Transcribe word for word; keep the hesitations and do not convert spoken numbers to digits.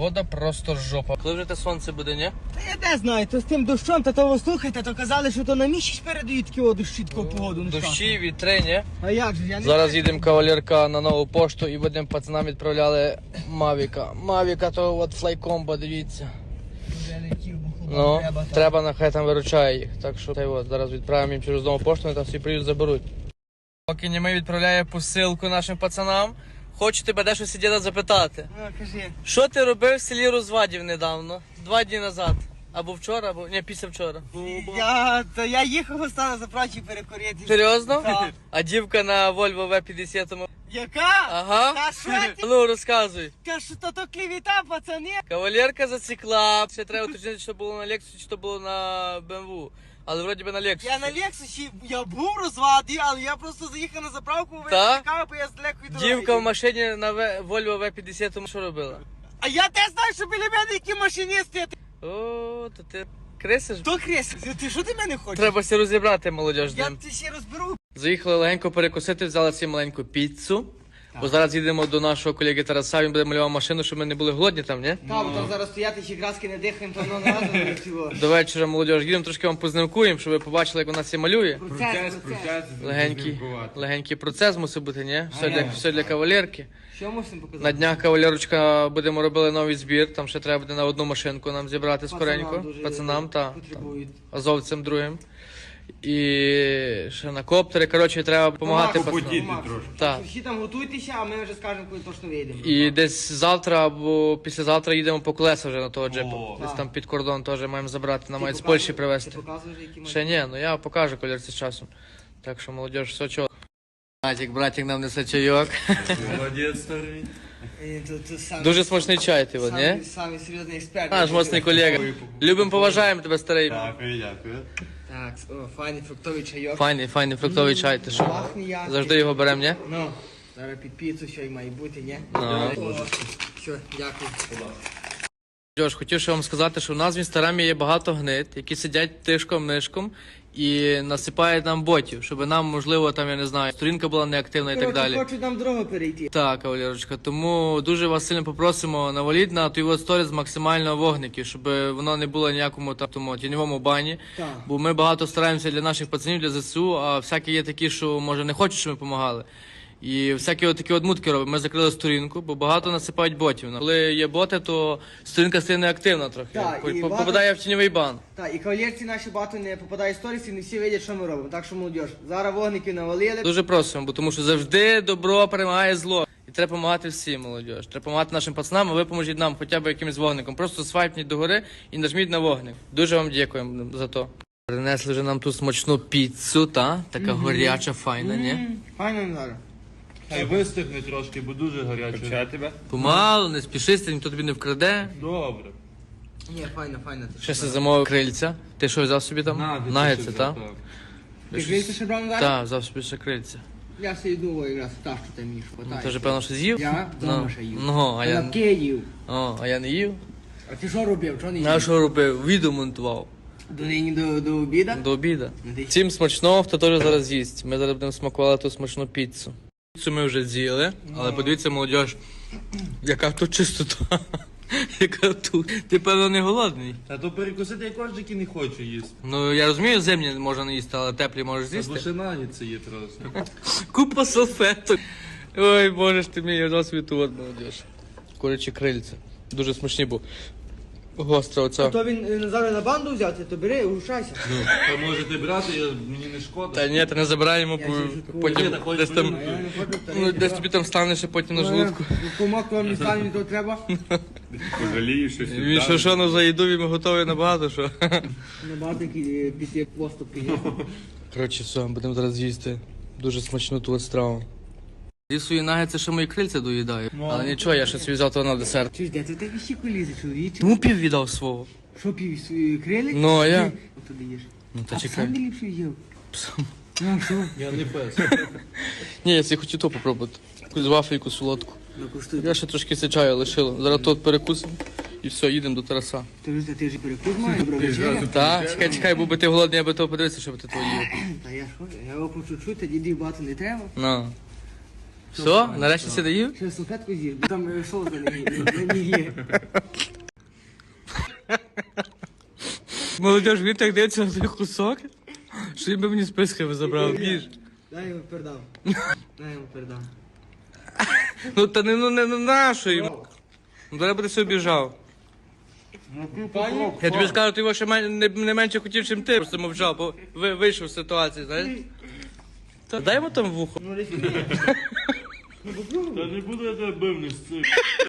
Погода просто жопа. Коли вже те сонце буде, ні? Та я не знаю, то з тим дощом, та того слухайте, то казали, що то на місяць передають такі о, дощі, таку погоду. Ну, Дощі, вітри, ні? А як же, я не Зараз знаю. їдемо кавалерка на нову пошту і будемо пацанам відправляли Мавіка. Мавіка то от флайкомбо, дивіться. Вже летів, бо хлопам Ну, треба. та. треба, нехай там виручає їх. Так що та й от, зараз відправимо їм через нову пошту, вони там всі приїдуть, заберуть. Поки Німей відправляє посилку нашим пацанам, хочу тебе дещо сидіти запитати. Ну, кажи. Що ти робив в селі Розвадів недавно? Два дні назад. Або вчора, або ні, після вчора. Я, то я їхав остану за прачі перекурити. Серйозно? Так. А дівка на Volvo ве п'ятдесят. Яка? Ага. Та що ти? Ну, розказуй. Та що то то клівіта, пацани? Кавалерка засікла. Ще треба уточнити, що було на Lexus, чи то було на бе ем ве. Але вроді би на Lexus. Я на Лексусі, я був розваді, але я просто заїхав на заправку, Та? вичекав, бо я з далекої дороги. Дівка в машині на ве- Volvo ве п'ятдесят що робила? А я те знаю, що біля мене які машиністи. О, то ти крисиш? Хто Крис? Ти що ти мене хочеш? Треба все розібрати, молодіж. з Я ним. це ще розберу. Заїхали легенько перекусити, взяли собі маленьку піцу. Бо зараз їдемо до нашого колеги Тараса, він буде малював машину, щоб ми не були голодні там, ні? Та, бо там зараз стояти, ще краски не дихаємо, то воно разом не всього. До вечора, молодіж, їдемо трошки вам познимкуємо, щоб ви побачили, як вона це малює. Процес, процес. Легенький, легенький процес мусить бути, ні? Все для, все для кавалерки. Що мусимо показати? На днях кавалерочка будемо робити новий збір, там ще треба буде на одну машинку нам зібрати скоренько. дуже Пацанам та потребують. азовцям другим. І ще на коптери, коротше, треба допомагати Помагати, пацанам. помагати. Так. Всі там готуйтеся, а ми вже скажемо, коли точно вийдемо. І десь завтра або післязавтра їдемо по колеса вже на того джипу. О, Десь так. там під кордон теж маємо забрати, нам Ти мають з показуєш- Польщі привезти. Ти показуєш, які Ще ні, ну я покажу колірці з часом. Так що, молодіж, все чого. Братик, братик нам несе чайок. Молодець, старий. Е, то- то самі- Дуже смачний чай ти, от, ні? самі- Самі серйозний експерт. Наш моцний колега. Любимо, поважаємо тебе, старий. Дякую, дякую. Так, о, файний фруктовий чайок. Файний, файний фруктовий чай, ти що? Пахне як. Завжди його беремо, ні? Ну, зараз під піцу що й має бути, ні? Ну. О, Все, дякую. Джош, хотів ще вам сказати, що в нас в інстаграмі є багато гнид, які сидять тишком-нишком і насипають нам ботів, щоб нам, можливо, там, я не знаю, сторінка була неактивна і так Коротше, далі. хочуть нам дорогу перейти. Так, кавалерочка, тому дуже вас сильно попросимо наваліть на той сторіс максимально вогників, щоб воно не було ніякому там, тому тіньовому бані. Так. Бо ми багато стараємося для наших пацанів, для зе се у, а всякі є такі, що може не хочуть, щоб ми допомагали. І всякі от такі от мутки робимо. Ми закрили сторінку, бо багато насипають ботів. Коли є боти, то сторінка стає неактивна трохи. Так, По- і по- багато- Попадає в тіньовий бан. Так, і кавалерці наші багато не попадає в сторіс, і не всі видять, що ми робимо. Так що, молодіж, зараз вогників навалили. Дуже просимо, бо тому що завжди добро перемагає зло. І треба допомагати всім, молодіж. Треба допомагати нашим пацанам, а ви поможіть нам хоча б якимось вогником. Просто свайпніть догори і нажміть на вогник. Дуже вам дякуємо за то. Принесли вже нам тут смачну піцу, та? Така горяча, файна, ні? М, Файно не зараз. Хай вистигне трошки, бо дуже гаряче. тебе? Помалу, не спішись, ніхто тобі не вкраде. Добре. Ні, файно, файно. ти Ще що? се замовив крильця. Ти що взяв собі там? Нагетси, так? Ти грієшся ще брав на Так, взяв собі ще крильця. Я все йду якраз та, що ти мені Ну, хватає. ти вже певно, що з'їв? Я Ну, вдома ще їв. Ну, а я, Лапки їв. о, а я не їв. А ти що робив? Чого не їв? А що робив? Відео монтував. До нині до, до обіда? До обіда. Ну, ти- Всім смачного, хто теж зараз їсть. Ми зараз будемо смакувати ту смачну піцу. Піцу ми вже з'їли, але подивіться, молодіж, яка тут чистота. Яка тут. Ти, певно, не голодний. Та то перекусити я кожники не хочу їсти. Ну, я розумію, зимні можна не їсти, але теплі можеш Та бо з'їсти. ще наніться є трошки. Купа салфеток. Ой, боже ж ти мій, я свій тут, молодіж. Курячі крильця. Дуже смачні, бо гостра А оця. то він е, зараз на банду взяти, то бери, урушайся. Та можете брати, я, мені не шкода. Та ні, та не забираємо, Я бо ще жуткую. потім Ні, та хоч десь там, блюдо. А я не хочу ну, десь тобі там станеш, а потім на желудку. Помог вам не стане, то треба. Пожалієш, що Він що, що, ну за їду він готовий набагато, що. Набагато такі після поступки є. Коротше, все, будемо зараз їсти дуже смачну ту от страву. Зі свої нагетси ще мої крильця доїдаю. Але нічого, я ще собі взяв того на десерт. Чи ж де ти такі ще колізи, чоловіче? Тому пів віддав свого. Що пів свої крили? Ну, а я? От туди їш. Ну, та А ти чекай. сам не ліпше їв? Ну, що? Я не пес. Ні, я собі хочу то попробувати. Якусь вафельку солодку. Ну, куштуй. Я ще трошки це чаю лишило. Зараз тут перекусимо і все, їдемо до Тараса. Ти ж ти ж перекус маєш, добра вечеря. Так, чекай, чекай, був би ти голодний, я би того подивився, щоб ти то їв. Та я що? Я його по чуть-чуть, тоді дів багато не треба. Ну. Все, нарешті все доїв? Ще салфетку з'їв, бо там е, соус на ній на ній є. Молодіж, він так дивиться на той кусок, що він би мені списки забрав. Їж. Дай йому передам. Дай йому передам. Ну та не, ну, не, не нащо йому. Ну треба би ти собі біжав. Я тобі скажу, ти його ще мен- не, не менше хотів, чим ти, просто мовчав, бо ви, вийшов з ситуації, знаєш? Та дай йому там вухо. Ну, лише не є. Та не буду я тебе бив, не сцик.